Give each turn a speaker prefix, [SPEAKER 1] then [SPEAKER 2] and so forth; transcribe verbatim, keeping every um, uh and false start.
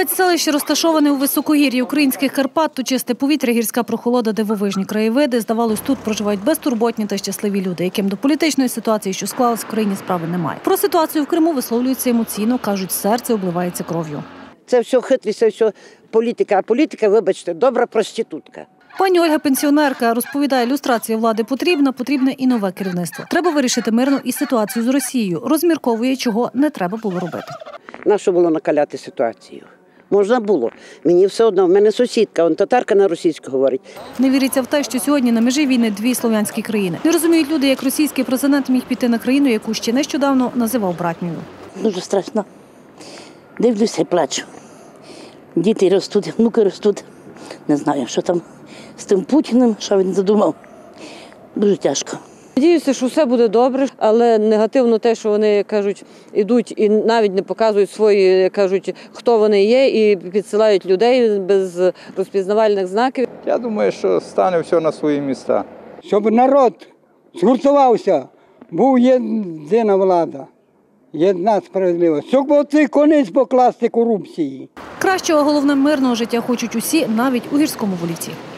[SPEAKER 1] Спецселище розташоване у високогір'ї українських Карпат, то чисте повітря, гірська прохолода, дивовижні краєвиди. Здавалось, тут проживають безтурботні та щасливі люди, яким до політичної ситуації, що склалась в країні, справи немає. Про ситуацію в Криму висловлюються емоційно, кажуть, серце обливається кров'ю.
[SPEAKER 2] Це все хитрість, це все політика, а політика, вибачте, добра проститутка.
[SPEAKER 1] Пані Ольга пенсіонерка розповідає, люстрація влади потрібна, потрібне і нове керівництво. Треба вирішити мирно і ситуацію з Росією. Розмірковує, чого не треба було робити.
[SPEAKER 2] Нащо було накаляти ситуацію? Можна було. Мені все одно, в мене сусідка, он татарка на російську говорить.
[SPEAKER 1] Не віриться в те, що сьогодні на межі війни дві слов'янські країни. Не розуміють люди, як російський президент міг піти на країну, яку ще нещодавно називав братньою.
[SPEAKER 3] Дуже страшно. Дивлюся і плачу. Діти ростуть, внуки ростуть. Не знаю, що там з тим Путіним, що він задумав. Дуже тяжко.
[SPEAKER 4] Надіюся, що все буде добре, але негативно те, що вони, кажуть, ідуть і навіть не показують свої, кажуть, хто вони є, і підсилають людей без розпізнавальних знаків.
[SPEAKER 5] Я думаю, що стане все на свої місця.
[SPEAKER 6] Щоб народ згуртувався, був єдина влада, єдина справедливість. Щоб оцей конець покласти корупції.
[SPEAKER 1] Кращого, головне, мирного життя хочуть усі, навіть у Гірському Волівці.